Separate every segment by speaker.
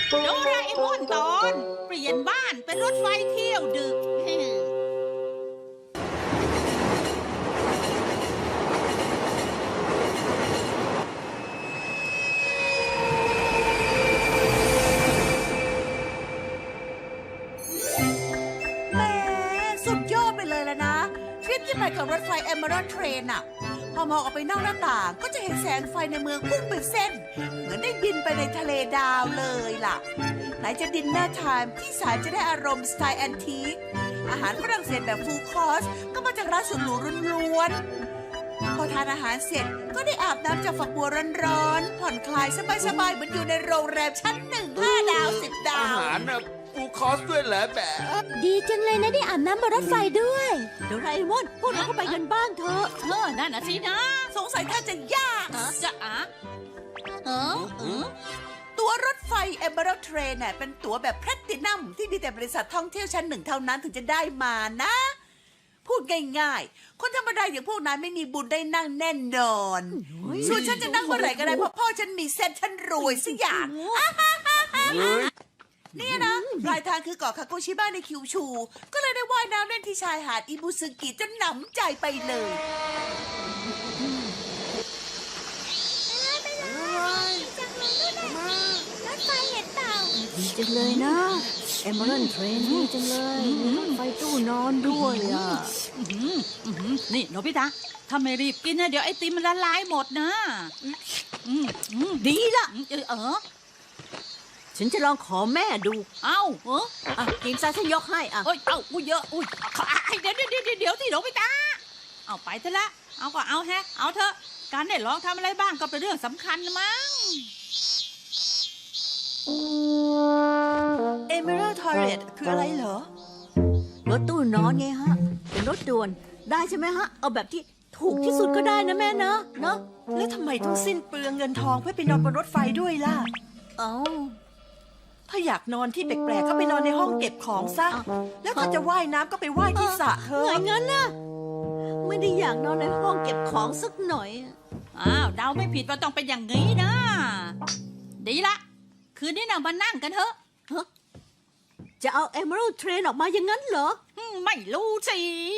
Speaker 1: โดราเอมอนตอนเปลี่ยนบ้านเป็นรถไฟเที่ยวดึก
Speaker 2: แหมสุดยอดไปเลยแล้วนะทริปที่ไปกับรถไฟ Emerald Train อะพอมองออกไปนอกหน้าต่างก็จะเห็นแสงไฟในเมืองพุ่งเป็นเส้น เหมือนได้บินไปในทะเลดาวเลยล่ะไหนจะดินเนอร์ไทม์ที่สายจะได้อารมณ์สไตล์แอนทีคอาหารฝรั่งเศสแบบฟูลคอร์สก็มาจากร้านสุดหรูล้วนๆพอทานอาหารเสร็จก็ได้อาบน้ำจากฝักบัวร้อนๆผ่อนคลายสบายๆเหมือนอยู่ในโรงแรมชั้น1 5 ดาว 10 ดา
Speaker 3: อาว หารนะฟูลคอร์สด้วยเหรอแบบ
Speaker 4: ดีจังเลยนะได้อาบน้ำบนรถไฟด้วย
Speaker 2: โดราเอมอนพวกเราก็ไปกันบ้างเถอะ
Speaker 1: นั่นน่ะสินะ
Speaker 2: สงสัยท่านจะยาก
Speaker 1: จะ
Speaker 2: ตั๋วรถไฟ Emerald Train น่ะเป็นตั๋วแบบแพลตตินัมที่มีแต่บริษัทท่องเที่ยวชั้น 1เท่านั้นถึงจะได้มานะ พูดง่ายๆ คนธรรมดาอย่างพวกนายไม่มีบุญได้นั่งแน่นอนส่วนฉันจะนั่งเมื่อไหร่ก็ได้เพราะพ่อฉันมีเส้นฉันรวยสักอย่าง เนี่ยนะปลายทางคือเกาะคาโกชิบะในคิวชู ก็เลยได้ว่ายน้ำเล่นที่ชายหาดอิบุซึกิจนหนำใจไปเลย
Speaker 4: รถไฟเห็นเปล่าดีจังเลยนะ Emerald Train ดีจังเลยมีรถไฟตู้นอนด้วยอ่ะ
Speaker 1: นี่โนบิตะถ้าไม่รีบกินนะเดี๋ยวไอติมมันละลายหมดนะ
Speaker 2: ดีละ
Speaker 4: ฉันจะลองขอแม่ดู
Speaker 1: เอ้า
Speaker 4: อ่ะกินซะฉันยกให้อ่ะ
Speaker 1: เอ้ยเอ้าเยอะอุ้ยเดี๋ยวที่โนบิตะเอาไปเถอะละเอาก็เอาเอาเถอะการได้ลองทำอะไรบ้างก็เป็นเรื่องสำคัญมั้ง
Speaker 2: Emerald Toilet คืออะไรเหรอ
Speaker 4: รถตู้นอนไงฮะ เป็นรถด่วนได้ใช่ไหมฮะ เอาแบบที่ถูกที่สุดก็ได้นะแม่เนอะเนอะ
Speaker 2: แล้วทำไมต้องสิ้นเปลืองเงินทองเพื่อไปนอนบนรถไฟด้วยล่ะ
Speaker 4: เอ้า
Speaker 2: ถ้าอยากนอนที่แปลกๆก็ไปนอนในห้องเก็บของซะ แล้วถ้าจะว่ายน้ำก็ไปว่ายที่สระเถ
Speaker 4: ไง
Speaker 2: อะ
Speaker 4: งั้นน่ะไม่ได้อยากนอนในห้องเก็บของสักหน่อย
Speaker 1: อ้าวเดาไม่ผิดว่าต้องเป็นอย่างนี้นะดีละคืนนี้น่ะมานั่งกันเถอะ
Speaker 4: จะเอา Emerald Train ออกมาอย่างนั้นเหรอ
Speaker 1: ไม่รู้สิ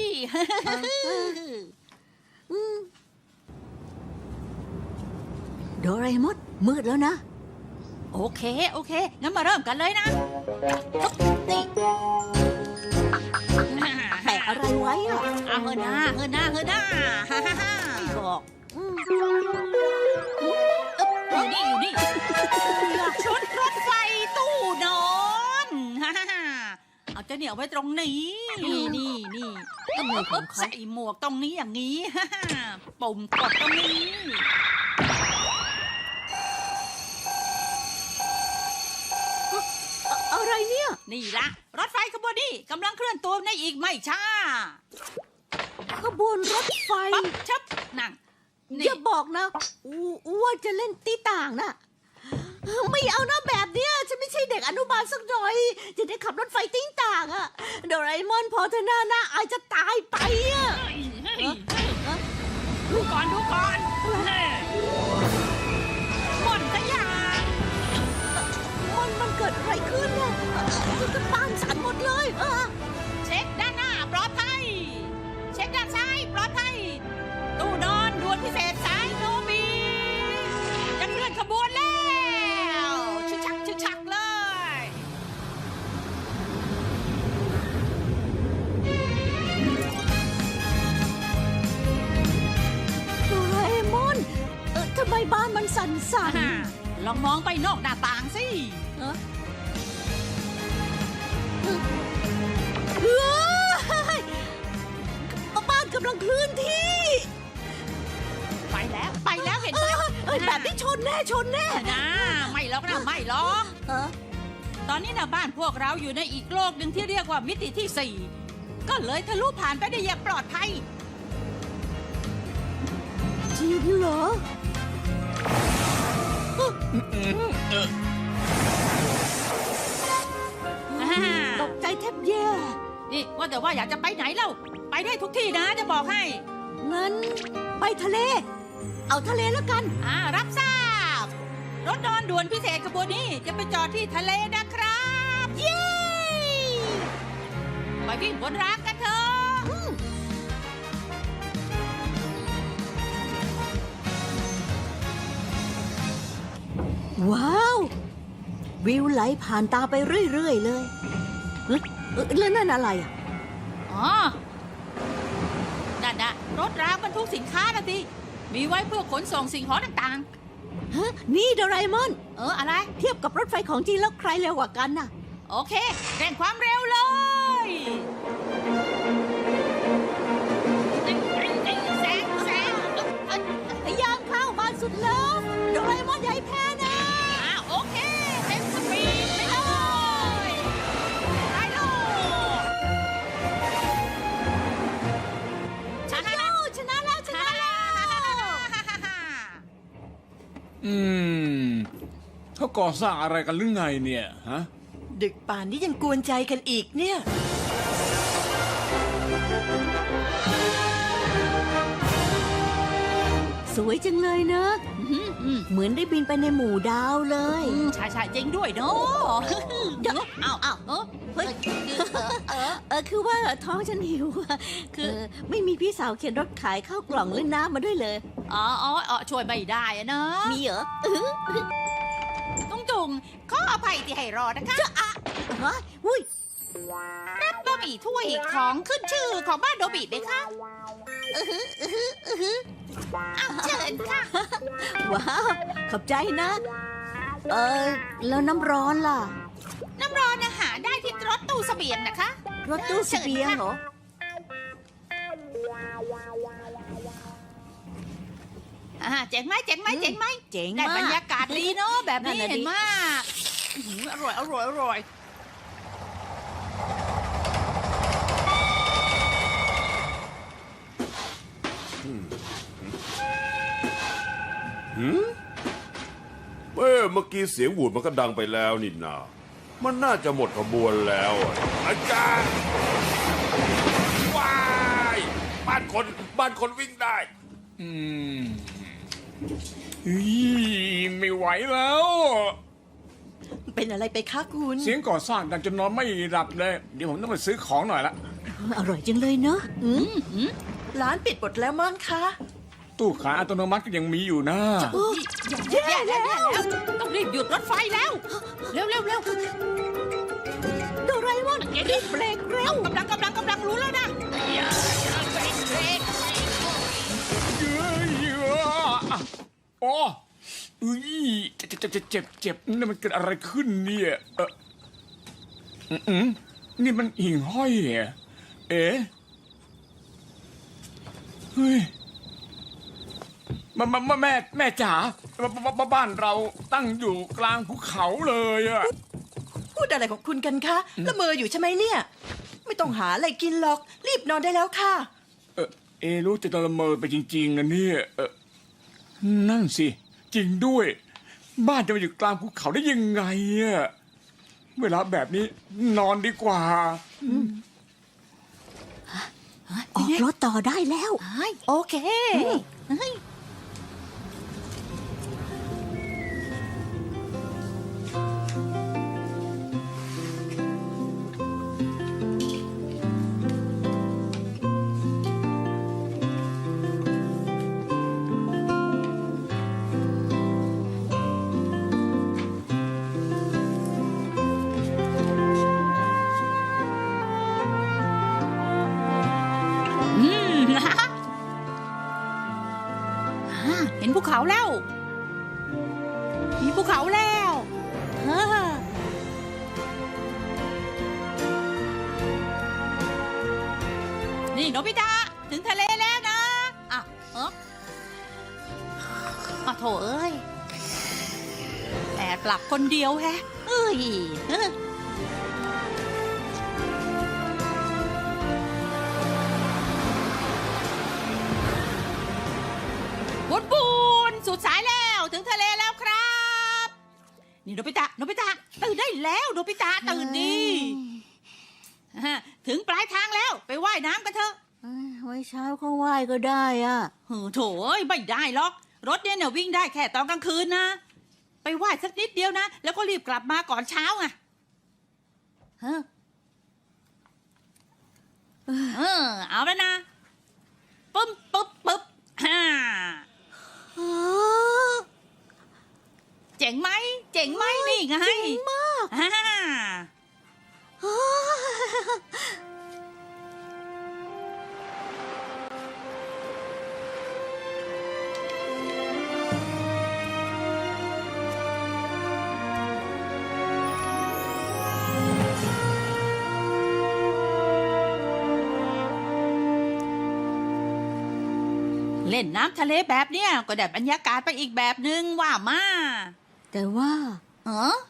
Speaker 4: โดราเอมอนมืดแล้วนะ
Speaker 1: โอเคงั้นมาเริ่มกันเลยนะนี่
Speaker 4: แปะอะไรไว้อะ
Speaker 1: เอาเฮน่าฮ่า
Speaker 4: ไม่บอก
Speaker 1: อยู่นี่ชุดรถไฟตู้นอนเอาเจ้าเนี่ยไว้ตรงนี้นี่
Speaker 4: ทำไมของเขา
Speaker 1: ใส่หมวกตรงนี้อย่างนี้ปุ่มกดตรงนี้
Speaker 4: อะไรเนี่ย
Speaker 1: นี่ละรถไฟขบวนนี้กำลังเคลื่อนตัวในอีกไม่ช้า
Speaker 4: ขบวนรถไฟ
Speaker 1: ปั๊บชับนั่ง
Speaker 4: อย่าบอกนะว่าจะเล่นตีต่างนะไม่เอานะแบบเนี้ยฉันไม่ใช่เด็กอนุบาลสักหน่อย จะได้ขับรถไฟตีต่างอะโดราเอมอนพอเธอหน้าอายจะตายไปอะ
Speaker 1: ดูก่อนม่อนขยะ
Speaker 4: มันเกิดอะไรขึ้นอะฉันก็บ้านสั่นหมดเลย
Speaker 1: เช็คด้านหน้าปลอดภัยเช็คด้านซ้ายปลอดภัยตู้นอนด่วนพิเศษสายโนบีจะเคลื่อนขบวนแล้วชึกชักเลย
Speaker 4: โดราเอมอนทำไมบ้านมันสั่น
Speaker 1: ลองมองไปนอกหน้าต่างสิ
Speaker 4: เฮ้ยบ้านกำลังเคลื่อนที่
Speaker 1: ไปแล้วเห็นไหม
Speaker 4: แบบนี้ชนแน่
Speaker 1: นะไม่หรอกตอนนี้นะบ้านพวกเราอยู่ในอีกโลกหนึ่งที่เรียกว่ามิติที่ 4ก็เลยทะลุผ่านไปได้อย่างปลอดภัย
Speaker 4: จริงเหรอตกใจแทบแย่
Speaker 1: นี่ว่าแต่ว่าอยากจะไปไหนเล่าไปได้ทุกที่นะจะบอกให้
Speaker 4: งั้นไปทะเล เอาทะเลแล้วกัน
Speaker 1: รับทราบรรถนอนด่วนพิเศษขบวนนี้จะไปจอดที่ทะเลนะครับ เย้ไปวิ่งบนรางกันเถอะ
Speaker 4: ว้าว วิวไหลผ่านตาไปเรื่อยๆเลยเอ๊ะแล้วนั่นอะไรอ่ะ
Speaker 1: อ๋อนั่นนะรถรางบรรทุกสินค้านะสิมีไว้เพื่อขนส่งสิ่งของต่าง
Speaker 4: ฮะ นี่โดราเอมอน
Speaker 1: ๆ อะไร
Speaker 4: เทียบกับรถไฟของจริงแล้วใครเร็วกว่ากันน่ะ
Speaker 1: โอเคเร่งความเร็วเลยแซง
Speaker 4: พยายามเข้ามาสุดแล้วโดราเอมอนอย่าให้แพ้นะ
Speaker 1: โอเคเต็มสปีดไปเลยไปเลยชนะแล้ว
Speaker 4: ชนะแล้วชนะแล้ว
Speaker 5: เขาก่อสร้างอะไรกันหรือไงเนี่ยฮะ
Speaker 6: ดึกป่านนี้ยังกวนใจกันอีกเนี่ย
Speaker 4: สวยจังเลยเนอะเหมือนได้บินไปในหมู่ดาวเลย
Speaker 1: ใช่จริงด้วยเนาะเดี๋ยวเอา
Speaker 4: เฮ้ยคือว่าท้องฉันหิวอะคือไม่มีพี่สาวเข็นรถขายข้าวกล่องหรือน้ำมาด้วยเลย
Speaker 1: อ๋อช่วยไม่ได้อะนะ
Speaker 4: มีเหรอ
Speaker 1: จุงขออภัยที่ให้รอนะคะ
Speaker 4: ฮะอุ้ย
Speaker 1: รับบะหมี่ถ้วยของขึ้นชื่อของบ้านโดบิเลยค่ะเชิญค่ะ
Speaker 4: ว้าวขอบใจนะ แล้วน้ำร้อนล่ะ
Speaker 1: น้ำร้อนอาหารได้ที่รถตู้เสบียงนะคะ
Speaker 4: รถตู้เสบียงเหรอ
Speaker 1: เจ๋งไหม
Speaker 4: เจ๋ง
Speaker 1: ได้
Speaker 4: มาก
Speaker 1: บรรยากาศดีเนาะแบบนี้
Speaker 4: นั่นน่ะดิ
Speaker 1: เห็นมากอร่อย
Speaker 3: เมื่อกี้เสียงหวูดมันก็ดังไปแล้วนี่นามันน่าจะหมดขบวนแล้วอะอาจารย์ว้ายบ้านคนวิ่งได้
Speaker 5: ไม่ไหวแล้ว
Speaker 6: เป็นอะไรไปคะคุณ
Speaker 5: เสียงก่อสร้างดังจนนอนไม่หลับเลย เดี๋ยวผมต้องไปซื้อของหน่อยละ
Speaker 4: อร่อยจังเลยเนอะ
Speaker 6: ร้านปิดหมดแล้วมั้งคะ
Speaker 5: ตู้ขายอัตโนมัติก็ยังมีอยู่นะ
Speaker 1: ๆแย่แล้วต้องรีบหยุดรถไฟแล้ว เร็ว
Speaker 4: โดราเอมอนรีบเบรกเร็ว
Speaker 1: กำลังรู้แล้วนะเบรก
Speaker 5: อ๋อเจ็บนี่มันเกิดอะไรขึ้นเนี่ยนี่มันหิ่งห้อยเหรอเอ๊ะเฮ้ยแม่จ๋าบ้านเราตั้งอยู่กลางภูเขาเลยอะ
Speaker 6: พูดอะไรของคุณกันคะละเมออยู่ใช่ไหมเนี่ย ไม่ต้องหาอะไรกินหรอก รีบนอนได้แล้วค่ะ
Speaker 5: รู้จะละเมอไปจริงๆนะเนี่ยนั่นสิ จริงด้วย บ้านจะมาอยู่กลางภูเขาได้ยังไงอะเวลาแบบนี้นอนดีกว่า
Speaker 4: ออกรถต่อได้แล้ว
Speaker 1: โอเค เห็นภูเขาแล้ว มีภูเขาแล้วนี่โนบิตะถึงทะเลแล้วนะโถเอ้ยแอบหลับคนเดียวแฮะเอ้ยบุญสุดสายแล้วถึงทะเลแล้วครับ นี่โนบิตะตื่นได้แล้วโนบิตะตื่นดีถึงปลายทางแล้วไปว่ายน้ำกันเถอะ
Speaker 4: ไว้เช้าก็ไหว้ก็ได้อ่ะ
Speaker 1: โถเอ้ยไม่ได้หรอกรถเนี่ยวิ่งได้แค่ตอนกลางคืนนะไปไหว้สักนิดเดียวนะ แล้วก็รีบกลับมาก่อนเช้าไงเฮ้อเอาแล้วนะปึ๊บปึ๊บปึ๊บฮ่าเจ๋งไหมเจ๋งไหมนี่ไง
Speaker 4: เจ๋งมาก
Speaker 1: ฮ่า เล่นน้ำทะเลแบบเนี้ยก็ได้บรรยากาศไปอีกแบบนึงว่ามา
Speaker 4: แต่ว่า
Speaker 1: เออ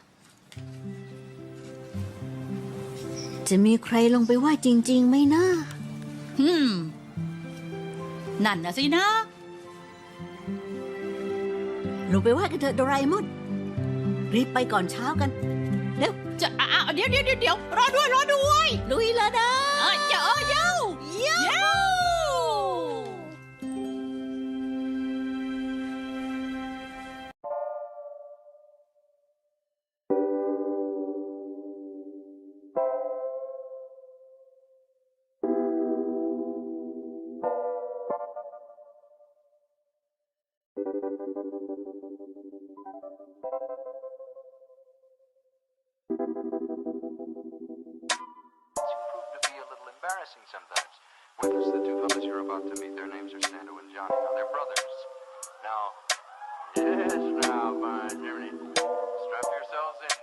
Speaker 4: จะมีใครลงไปว่าจริงๆไหมนะ
Speaker 1: นั่นนะสินะ
Speaker 4: ลงไปว่ากันเถอะโดราเอมอน รีบไปก่อนเช้ากัน เร็ว
Speaker 1: จะเดี๋ยวรอด้วย
Speaker 4: ลุยแล้วนะ
Speaker 1: เจ้าเย้า
Speaker 7: Prove to be a little embarrassing sometimes. Whether it's the two fellas you're about to meet, their names are Stando and Johnny. Now, they're brothers. Now, yes, now, fine, Germany. Strap yourselves in